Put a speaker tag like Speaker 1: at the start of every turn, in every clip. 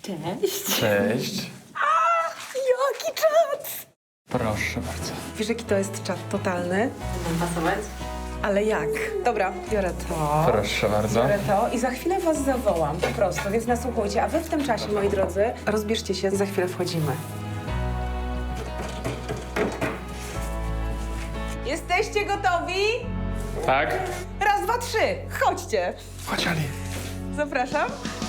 Speaker 1: Cześć.
Speaker 2: Cześć.
Speaker 3: Jaki czat!
Speaker 2: Proszę bardzo.
Speaker 3: Wiesz, jaki to jest czat totalny?
Speaker 1: Będę pasować?
Speaker 3: Ale jak? Dobra, biorę to.
Speaker 2: Proszę bardzo.
Speaker 3: Biorę to i za chwilę was zawołam, po prostu, więc nasłuchujcie. A wy w tym czasie, moi drodzy, rozbierzcie się, za chwilę wchodzimy. Jesteście gotowi?
Speaker 2: Tak?
Speaker 3: Raz, dwa, trzy, chodźcie.
Speaker 2: Chodź, Ali.
Speaker 3: Zapraszam.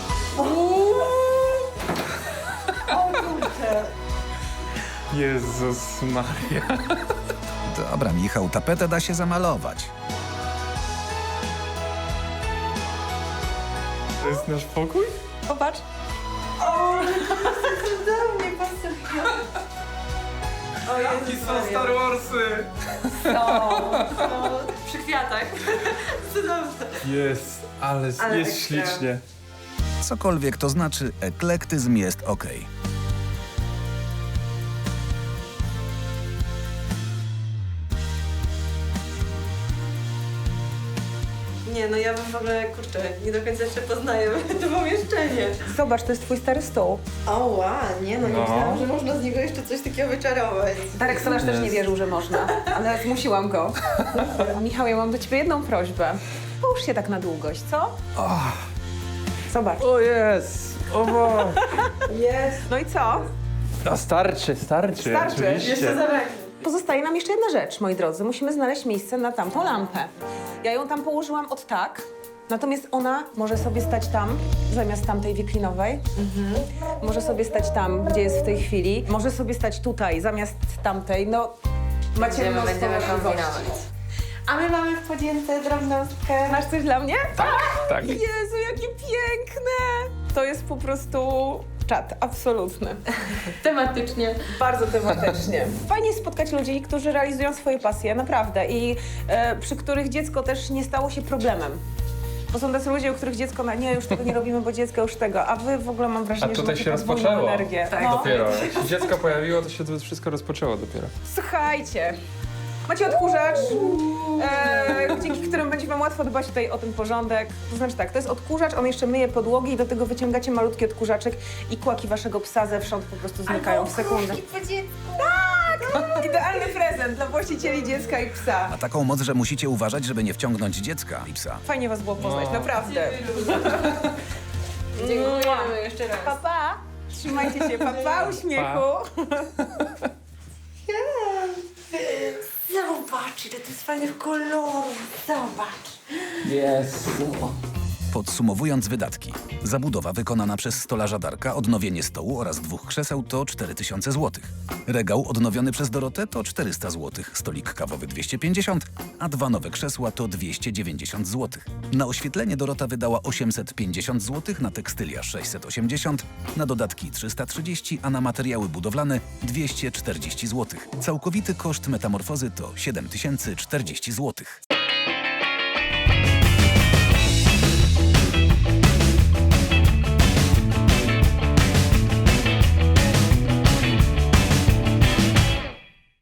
Speaker 2: Jezus Maria.
Speaker 4: Dobra, Michał, tapetę da się zamalować.
Speaker 2: To jest nasz pokój?
Speaker 3: Popatrz.
Speaker 2: Jaki są Star Warsy?
Speaker 1: Przy kwiatach. Cudowne.
Speaker 2: Jest, ale
Speaker 3: Ale
Speaker 2: jest
Speaker 3: ekstra.
Speaker 2: ślicznie.
Speaker 4: Cokolwiek to znaczy, eklektyzm jest okej.
Speaker 1: Nie, no ja bym w ogóle, kurczę, nie do końca jeszcze poznaję to pomieszczenie.
Speaker 3: Zobacz, to jest twój stary stół.
Speaker 1: O, nie
Speaker 2: No.
Speaker 1: myślałam, że można z niego jeszcze coś takiego wyczarować.
Speaker 3: Darek Solarz też nie
Speaker 2: Jest.
Speaker 3: wierzył, że można, ale zmusiłam go. Michał, ja mam do ciebie jedną prośbę. Połóż się tak na długość, co? Zobacz.
Speaker 2: O jest! O Boże.
Speaker 3: Jest. No i co?
Speaker 2: No starczy.
Speaker 3: Starczy.
Speaker 2: Oczywiście.
Speaker 1: Jeszcze zabraknie.
Speaker 3: Pozostaje nam jeszcze jedna rzecz, moi drodzy. Musimy znaleźć miejsce na tamtą lampę. Ja ją tam położyłam od tak, natomiast ona może sobie stać tam, zamiast tamtej wiklinowej. Może sobie stać tam, gdzie jest w tej chwili. Może sobie stać tutaj, zamiast tamtej. No, macie mnóstwo
Speaker 1: będziemy
Speaker 3: możliwości.
Speaker 1: kombinować. A my mamy w podzięce drobnostkę.
Speaker 3: Masz coś dla mnie?
Speaker 2: Tak.
Speaker 3: Jezu, jakie piękne! To jest po prostu czat, absolutny.
Speaker 1: Tematycznie.
Speaker 3: Bardzo tematycznie. Fajnie jest spotkać ludzi, którzy realizują swoje pasje, naprawdę. I przy których dziecko też nie stało się problemem. Bo są tacy ludzie, u których dziecko, nie, już tego nie robimy, bo dziecko już tego. A wy w ogóle mam
Speaker 2: A
Speaker 3: wrażenie, że
Speaker 2: tutaj
Speaker 3: macie
Speaker 2: się
Speaker 3: podwójną
Speaker 2: rozpoczęło.
Speaker 3: energię.
Speaker 1: Tak.
Speaker 3: No.
Speaker 2: Dopiero. Jak się dziecko pojawiło, to się to wszystko rozpoczęło dopiero.
Speaker 3: Słuchajcie, macie odkurzacz, dzięki którym będzie wam łatwo dbać tutaj o ten porządek. To znaczy tak, to jest odkurzacz, on jeszcze myje podłogi i do tego wyciągacie malutki odkurzaczek i kłaki waszego psa zewsząd po prostu znikają w sekundę. Tak! Idealny prezent dla właścicieli dziecka i psa.
Speaker 4: Ma taką moc, że musicie uważać, żeby nie wciągnąć dziecka i psa.
Speaker 3: Fajnie was było poznać,
Speaker 2: No.
Speaker 3: naprawdę.
Speaker 1: Dziękujemy jeszcze raz.
Speaker 3: Papa, trzymajcie się, papa, uśmiechu.
Speaker 1: Zobacz, ile to jest fajnych kolorów. Zobacz.
Speaker 2: Jest.
Speaker 4: Podsumowując wydatki. Zabudowa wykonana przez stolarza Darka, odnowienie stołu oraz 2 krzeseł to 4000 zł. Regał odnowiony przez Dorotę to 400 zł, stolik kawowy 250, a 2 nowe krzesła to 290 zł. Na oświetlenie Dorota wydała 850 zł, na tekstylia 680, na dodatki 330, a na materiały budowlane 240 zł. Całkowity koszt metamorfozy to 7040 zł.